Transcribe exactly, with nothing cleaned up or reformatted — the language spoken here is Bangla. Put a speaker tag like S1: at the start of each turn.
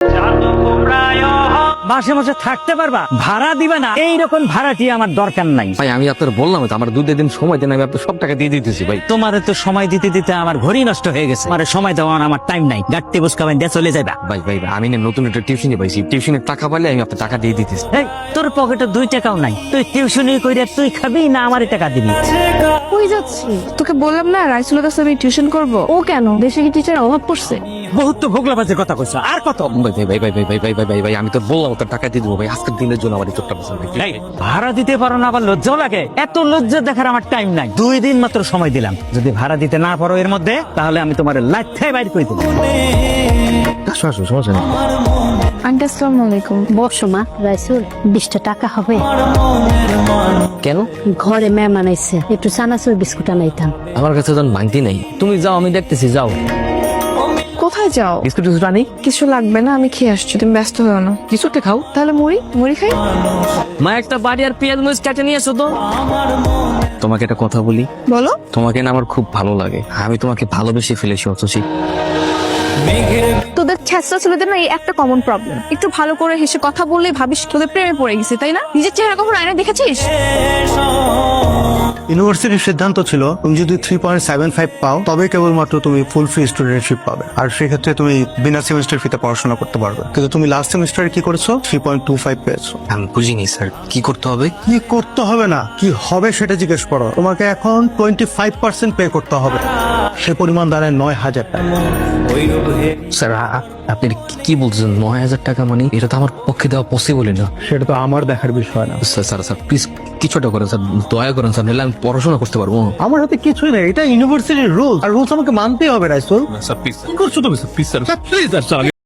S1: মাসে মাসে থাকতে পারবা, ভাড়া দিবে না, এইরকম ভাড়াটি আমার দরকার নাই।
S2: ভাই আমি আপনার বললাম তো আমার দুই দিন সময় দেন, আমি আপনার সব টাকা দিয়ে দিতেছি ভাই।
S1: তোমারে তো সময় দিতে দিতে আমার ঘড়ি নষ্ট হয়ে গেছে, আমার সময় দেওয়ার আমার টাইম নাই। গাড়তে বুঝকাবেন দিয়ে চলে যাবা।
S2: ভাই ভাই ভাই, আমি না নতুন একটা টিউশনে পাইছি, টিউশনের টাকা পাইলে আমি আপনার টাকা দিয়ে দিতেছি।
S1: এই তোর পকেটে দুই টাকাও নাই, তুই টিউশনি কইরা তুই খাবি না আমারই টাকা দিবি?
S3: কই যাচ্ছি? তোকে বললাম না রাইসুলের কাছে আমি টিউশন করব। ও কেন, দেশে কি টিচার অভাব পড়ছে?
S1: বহুত তো ভোগলাবাজের কথা কইছো, আর কত?
S2: ভাই ভাই ভাই ভাই ভাই ভাই ভাই ভাই ভাই ভাই আমি তো বললাম তোর টাকা দিয়ে দেবো ভাই, আজকের দিনের জন্য আমার এই চোখটা পছন্দ।
S1: এই, ভাড়া দিতে পারো না আবার লজ্জাও লাগে? এত লজ্জা দেখার আমার টাইম নাই। দুই দিন মাত্র সময় দিলাম, যদি ভাড়া দিতে না পারো এর মধ্যে, তাহলে আমি তোমার লাইফে বাইর করে দেবো।
S2: আসো আসো, সমস্যা নেই।
S3: আন্টি আসসালামু আলাইকুম।
S4: বসো মা। রাইসুল, বিশটা টাকা হবে?
S2: কেন?
S4: ঘরে মেহমান আইছে, একটু চানাচুর বিস্কুট আনাইতাম।
S2: আমার কাছে তো মাংতি নাই, তুমি যাও আমি দেখতেছি, যাও।
S3: কোথায় যাও?
S2: বিস্কুট টিস্কুট আনি?
S3: কিছু লাগবে না, আমি খেয়ে আসছি, তুমি ব্যস্ত হও না।
S2: কিছু একটা খাও।
S3: তাহলে মুড়ি মুড়ি খাই।
S2: মা একটা বাড়ি আর পেঁয়াজ মরিচ কেটে নিয়ে এসো তো। তোমাকে একটা কথা বলি,
S3: বলো।
S2: তোমাকে না আমার খুব ভালো লাগে, আমি তোমাকে ভালোবেসে ফেলেছি অথচি।
S3: তোদের ছেঁচড়া ছেলেদের না এই একটা কমন প্রবলেম, একটু ভালো করে হেসে কথা বললেই ভাবিস তোদের প্রেমে পড়ে গেছে, তাই না? নিজের চেহারা কখন আয়নায় দেখেছিস?
S5: ইউনিভার্সিটির সিদ্ধান্ত ছিল তুমি যদি থ্রি পয়েন্ট সেভেন ফাইভ পাও তবে কেবলমাত্র তুমি ফুল ফি স্টুডেন্টশিপ পাবে, আর সেক্ষেত্রে তুমি বিনা সেমিস্টার ফিতে পড়াশোনা করতে পারবে। কিন্তু তুমি লাস্ট সেমিস্টারে কি করেছো? থ্রি পয়েন্ট টু ফাইভ পেয়েছো।
S2: আমি বুঝিনি স্যার, কি করতে হবে?
S5: কি করতে হবে না, কি হবে সেটা জিজ্ঞেস করো। তোমাকে এখন টোয়েন্টি ফাইভ পার্সেন্ট পে করতে হবে, সে পরিমাণ দাঁড়ায় নয় হাজার টাকা।
S2: স্যার আ- আপনি কি- কি বলছেন? নয় হাজার টাকা মানে এটা তো আমার পক্ষে দেওয়া পসিবলই না।
S5: সেটা তো আমার দেখার বিষয় না।
S2: স্যার স্যার স্যার প্লিজ কিছুটা করেন স্যার, দয়া করেন স্যার, নাহলে আমি পড়াশোনা করতে পারবো।
S5: আমার হাতে কিছুই নেই, এটা ইউনিভার্সিটির রুলস, আর রুলস আমাকে মানতেই হবে। রাইসুল
S2: স্যার প্লিজ
S5: কি করছো তুমি?
S2: Please sir please sir